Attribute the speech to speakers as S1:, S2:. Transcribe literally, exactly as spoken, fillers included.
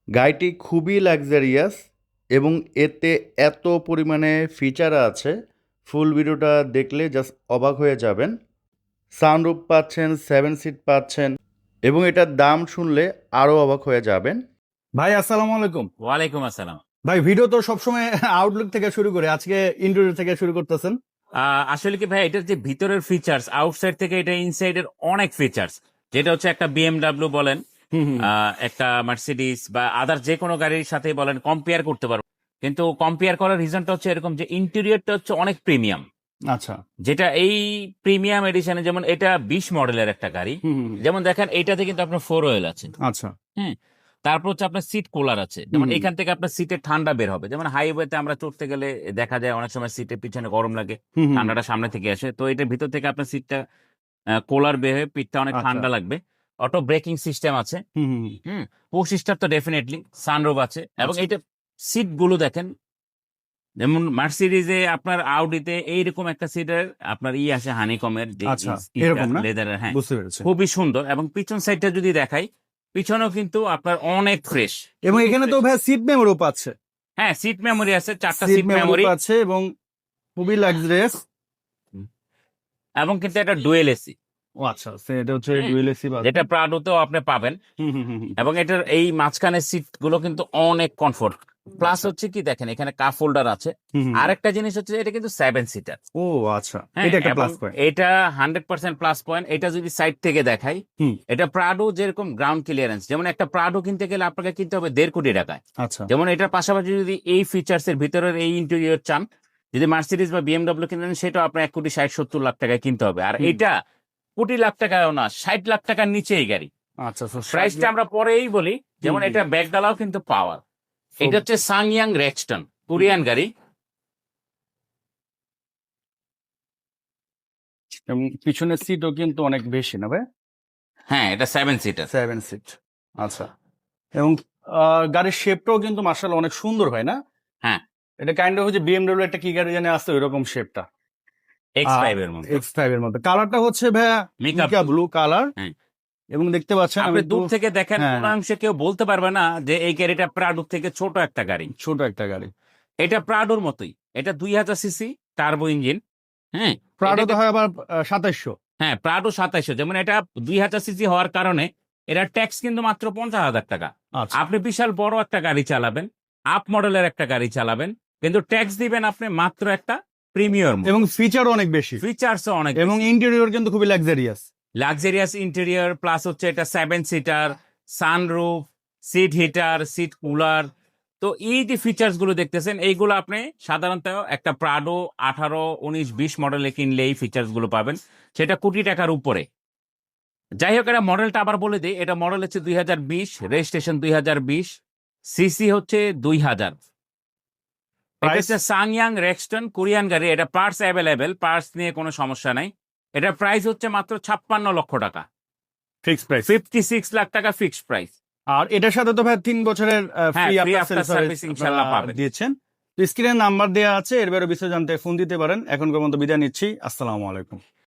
S1: গাড়িটি খুবই লাক্সারিয়াস এবং এতে এত পরিমাণে ফিচার আছে, ফুল ভিডিওটা দেখলে জাস্ট অবাক হয়ে যাবেন। সানরুফ পাচ্ছেন, সেভেন সিট পাচ্ছেন এবং এটার দাম শুনলে আরও অবাক হয়ে যাবেন।
S2: ভাই আসসালামু আলাইকুম।
S3: ওয়ালাইকুম আসসালাম।
S2: ভাই ভিডিও তো সবসময় আউটলুক থেকে শুরু করে, আজকে ইন্টেরিয়র থেকে শুরু করতেছেন।
S3: আহ, আসলে কি ভাই, এটার যে ভিতরের ফিচার্স আউটসাইড থেকে এটা ইনসাইড এর অনেক ফিচার্স, যেটা হচ্ছে একটা বিএমডাব্লিউ বলেন, আহ, একটা মার্সিডিস বা আদার যে কোনো গাড়ির সাথে বলেন কম্পেয়ার করতে পারবো। কিন্তু কম্পেয়ার করার রিজনটা হচ্ছে এরকম যে ইন্টেরিয়রটা হচ্ছে অনেক প্রিমিয়াম।
S2: আচ্ছা,
S3: যেটা এই প্রিমিয়াম এডিশনে, যেমন এটা বিশ মডেলের একটা গাড়ি, যেমন দেখেন এইটাতে কিন্তু আপনার ফোর ওয়েল আছে।
S2: আচ্ছা,
S3: হ্যাঁ, তারপর হচ্ছে আপনার সিট কুলার আছে, যেমন এখান থেকে আপনার সিটে ঠান্ডা বের হবে। যেমন হাইওয়েতে আমরা চড়তে গেলে দেখা যায় অনেক সময় সিটের পিছনে গরম লাগে, ঠান্ডাটা সামনে থেকে আসে, তো এটার ভিতর থেকে আপনার সিটটা কুলার বের হয়ে পিঠটা অনেক
S2: আচ্ছা।
S3: ঠান্ডা লাগবে। অটো ব্রেকিং সিস্টেম আছে। হুম, পুশ স্টার্ট তো ডেফিনেটলি, সানরুফ আছে, এবং
S2: আচ্ছা।
S3: এইটা সিট গুলো দেখেন, যেমন মার্সিডিজে আপনার আউডিতে এইরকম একটা সিটের আপনার ই আসে হানিকমের যে
S2: আচ্ছা, এরকম না?
S3: লেদারের। হ্যাঁ,
S2: বুঝতে পেরেছি।
S3: খুবই সুন্দর। এবং পিছন সাইডটা যদি দেখাই, পিছনেও কিন্তু আপনার অনেক ফ্রেশ।
S2: এবং এখানে তো ভাই সিট মেমোরিও পাচ্ছে।
S3: হ্যাঁ, সিট মেমোরি আছে, চারটা
S2: সিট
S3: সিট
S2: মেমোরি
S3: মেমোরি,
S2: পাচ্ছে এবং খুবই লাক্সারিয়াস।
S3: এবং কিন্তু একটা ডুয়েল এসি,
S2: ও আচ্ছা, এটা হচ্ছে ডুয়েল এসি পাচ্ছে।
S3: যেটা প্রাডোতেও আপনি পাবেন।
S2: হুম হুম হুম হুম।
S3: এবং এটার এই মাঝখানের সিট গুলো কিন্তু অনেক কমফোর্ট। প্লাস
S2: আচ্ছা।
S3: হচ্ছে কি দেখেন, এখানে কাপ হোল্ডার আছে।
S2: হুম হুম।
S3: আরেকটা জিনিস হচ্ছে এটা কিন্তু সেভেন সিটার।
S2: ও আচ্ছা,
S3: হ্যাঁ,
S2: এটা একটা
S3: এবং
S2: প্লাস পয়েন্ট।
S3: এটা হান্ড্রেড পার্সেন্ট প্লাস পয়েন্ট। এটা যদি সাইড থেকে দেখাই,
S2: হুম।
S3: এটা প্রাডো যেরকম গ্রাউন্ড ক্লিয়ারেন্স, যেমন একটা প্রাডো কিনতে গেলে আপনাকে কিনতে হবে দেড় কোটি টাকায়।
S2: আচ্ছা।
S3: যেমন এটার পাশাপাশি যদি এই ফিচার্স এর ভিতরের এই ইন্টেরিয়র চান, যদি মার্সিডিজ বা বিএমডব্লিউ কিনেন, সেটা আপনার এক কোটি ষাট সত্তর লাখ টাকায় কিনতে হবে। আর
S2: হুম।
S3: এটা কোটি লাখ টাকায়ও না, ষাট লাখ টাকার নিচে এই গাড়ি।
S2: আচ্ছা, তো
S3: প্রাইসটা আমরা পরেই বলি। যেমন
S2: হুম,
S3: এটা ব্যাগডালাও কিন্তু পাওয়ার। এটা হচ্ছে সাংয়াং রেক্সটন, কোরিয়ান গাড়ি।
S2: এবং পিছনের সিটও কিন্তু অনেক বেশি না ভাই?
S3: হ্যাঁ, এটা সেভেন সিটার।
S2: Seven seat. আচ্ছা। এবং আহ, গাড়ির শেপটাও কিন্তু মার্শাল্লাহ অনেক সুন্দর হয় না?
S3: হ্যাঁ,
S2: এটা কাইন্ড অফ হচ্ছে বিএমডব্লিউ একটা কি গাড়ি জানে আছে ওইরকম শেপটা।
S3: এক্স ফাইভ এর মধ্যে।
S2: এক্স ফাইভ এর মধ্যে কালারটা হচ্ছে ভাইয়া
S3: Mica
S2: মিকা ব্লু কালার।
S3: হ্যাঁ।
S2: এবং দেখতে পাচ্ছেন
S3: আপনি
S2: আমি একটু
S3: দূর থেকে দেখেন,
S2: হ্যাঁ,
S3: কোন অংশে কেউ বলতে পারবে না যে এই গাড়িটা প্রাডো থেকে ছোট একটা গাড়ি।
S2: ছোট একটা গাড়ি।
S3: এটা প্রাডোর মতোই। এটা দুই হাজার সিসি টার্বো ইঞ্জিন। হ্যাঁ,
S2: প্রাডো তো
S3: এটাকে-
S2: হয় আবার সাতাইশশো।
S3: হ্যাঁ, প্রাডো সাতাইশো। যেমন এটা দুই হাজার সিসি হওয়ার কারণে এটা ট্যাক্স কিন্তু মাত্র পঞ্চাশ হাজার টাকা।
S2: আচ্ছা।
S3: আপনি বিশাল বড় একটা গাড়ি চালাবেন, আপ মডেলের একটা গাড়ি চালাবেন, কিন্তু ট্যাক্স দিবেন আপনি মাত্র একটা প্রিমিয়াম।
S2: এবং ফিচারও অনেক বেশি,
S3: ফিচার্স অনেক,
S2: এবং ইন্টেরিয়র কিন্তু খুবই লাক্সারিয়াস।
S3: লাক্সারিয়াস ইন্টেরিয়র, প্লাস হচ্ছে এটা seven seater, sunroof, seat heater, seat cooler. তো এই যে ফিচার্স গুলো দেখতেছেন, এইগুলো আপনি সাধারণত একটা প্রাডো আঠারো উনিশ বিশ মডেলে কিনলে এই ফিচার্স গুলো পাবেন, সেটা কোটি টাকার উপরে। যাই হোক, এটা মডেলটা আবার বলে দিই, এটা মডেল হচ্ছে দুই হাজার বিশ, রেজিস্ট্রেশন দুই হাজার বিশ, সিসি হচ্ছে দুই হাজার। এটা হচ্ছে সাংয়াং রেক্সটন, কোরিয়ান গাড়ি। এটা পার্টস অ্যাভেলেবেল, পার্টস নিয়ে কোনো সমস্যা নাই। এটার প্রাইস হচ্ছে মাত্র ছাপ্পান্ন লক্ষ টাকা,
S2: fixed price.
S3: Fifty six lakh টাকা ফিক্সড প্রাইস।
S2: আর এটার সাথে তো ভাই তিন বছরের
S3: হ্যাঁ,
S2: free
S3: free
S2: after
S3: after service ইনশাআল্লাহ পাবেন।
S2: দিয়েছেন। তো স্ক্রিনে নাম্বার দেওয়া আছে, এর বাইরে বিষয় জানতে ফোন দিতে পারেন। এখনকার মতো বিদায় নিচ্ছি। আসসালামু আলাইকুম।